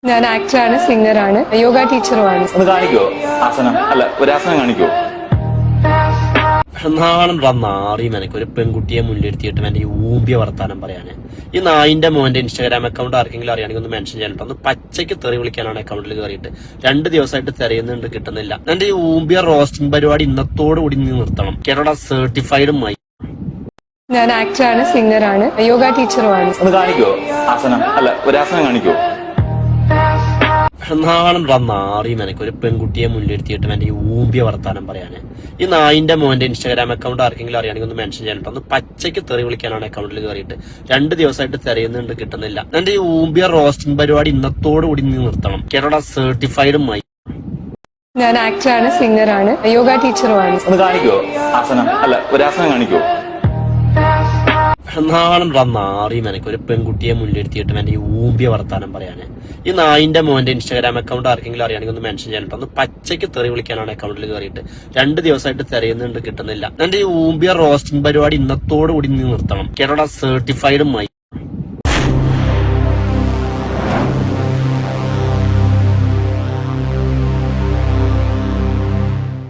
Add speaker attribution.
Speaker 1: ഞാൻ ആക്ടറാണ്, സിംഗറാണ്, യോഗ ടീച്ചറുമാണ്.
Speaker 2: ഒന്ന് കാണിക്കോ ആസനം? അല്ല, ഒരു ആസനം കാണിക്കോ?
Speaker 3: നാളെന്താ നാറിയും എനിക്ക് ഒരു പെൺകുട്ടിയെ മുന്നിലെടുത്തിയിട്ട് എന്റെ ഈ ഊമ്പിയ വർത്താനം പറയാന്. ഈ നായിന്റെ മോന്റെ ഇൻസ്റ്റാഗ്രാം അക്കൗണ്ട് ആർക്കെങ്കിലും അറിയാണെങ്കിൽ ഒന്ന് മെൻഷൻ ചെയ്യാനിട്ടോ. ഒന്ന് പച്ചയ്ക്ക് തെറി വിളിക്കാനാണ് അക്കൗണ്ടിൽ കയറിയിട്ട് 2 ദിവസമായിട്ട് തിരയുന്നുണ്ട്, കിട്ടുന്നില്ല. എന്റെ ഈ ഊമ്പിയ റോസ്റ്റിംഗ് പരിപാടി ഇന്നത്തോടു കൂടി നീ നിർത്തണം കേട്ടോടാ. സർട്ടിഫൈഡുമായി
Speaker 1: ഞാൻ ആക്ടറാണ്, സിംഗറാണ്, യോഗ ടീച്ചറുമാണ്.
Speaker 2: ഒന്ന് കാണിക്കോ ആസനം? അല്ല, ഒരു ആസനം കാണിക്കോ?
Speaker 3: നാളെന്താ നാറിയും എനിക്ക് ഒരു പെൺകുട്ടിയെ മുന്നിലെടുത്തിയിട്ട് എന്റെ ഈ ഊമ്പിയ വർത്താനം പറയാന്. ഈ നായിന്റെ മോന്റെ ഇൻസ്റ്റാഗ്രാം അക്കൗണ്ട് ആർക്കെങ്കിലും അറിയാണെങ്കിൽ ഒന്ന് മെൻഷൻ ചെയ്യാനിട്ടോ. ഒന്ന് പച്ചയ്ക്ക് തെറി വിളിക്കാനാണ് അക്കൗണ്ടിൽ കയറിയിട്ട് 2 ദിവസമായിട്ട് തിരയുന്നുണ്ട്, കിട്ടുന്നില്ല. എന്റെ ഈ ഊമ്പിയ റോസ്റ്റിംഗ് പരിപാടി ഇന്നത്തോടു കൂടി നീ നിർത്തണം കേട്ടോടാ. സർട്ടിഫൈഡുമായി
Speaker 1: ഞാൻ ആക്ടറാണ്, സിംഗറാണ്, യോഗ ടീച്ചറുമാണ്.
Speaker 2: ഒന്ന് കാണിക്കോ ആസനം? അല്ല, ഒരു ആസനം കാണിക്കോ?
Speaker 3: നാളെന്താ നാറിയും എനിക്ക് ഒരു പെൺകുട്ടിയെ മുന്നിലെടുത്തിയിട്ട് എന്റെ ഈ ഊമ്പിയ വർത്താനം പറയാന്. ഈ നായിന്റെ മോന്റെ ഇൻസ്റ്റാഗ്രാം അക്കൗണ്ട് ആർക്കെങ്കിലും അറിയാണെങ്കിൽ ഒന്ന് മെൻഷൻ ചെയ്യാനിട്ടോ. ഒന്ന് പച്ചയ്ക്ക് തെറി വിളിക്കാനാണ് അക്കൗണ്ടിൽ കയറിയിട്ട് 2 ദിവസമായിട്ട് തിരയുന്നുണ്ട്, കിട്ടുന്നില്ല. എന്റെ ഈ ഊമ്പിയ റോസ്റ്റിംഗ് പരിപാടി ഇന്നത്തോടു കൂടി നീ നിർത്തണം കേട്ടോടാ. സർട്ടിഫൈഡുമായി